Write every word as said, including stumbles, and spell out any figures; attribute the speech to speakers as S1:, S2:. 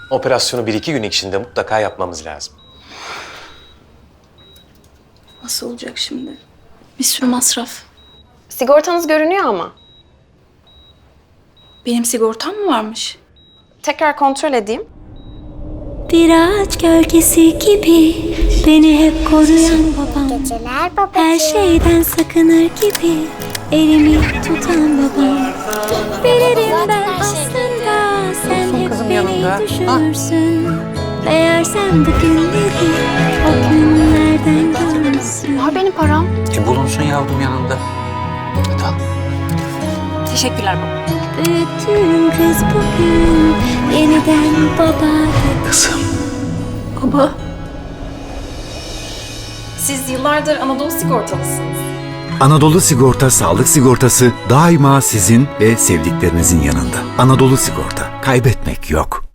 S1: Operasyonu bir iki gün içinde mutlaka yapmamız lazım.
S2: Nasıl olacak şimdi? Bir sürü masraf.
S3: Sigortanız görünüyor ama.
S2: Benim sigortam mı varmış?
S3: Tekrar kontrol edeyim.
S4: Bir ağaç gölgesi gibi beni hep koruyan babam.
S5: Geceler babacığım.
S4: Her şeyden sakınır gibi elimi tutan babam. Bilirim ben aslında sen hep beni düşünürsün. Meğer sen bu günleri o günlerden görmüşsün.
S3: Var benim param.
S6: E bulunsun yavrum yanında. Hadi al.
S3: Teşekkürler baba.
S4: Büyüttüğüm kız bugün yeniden baba.
S6: Kızım.
S2: Baba.
S3: Siz yıllardır Anadolu sigortalısınız.
S7: Anadolu Sigorta Sağlık Sigortası daima sizin ve sevdiklerinizin yanında. Anadolu Sigorta, kaybetmek yok.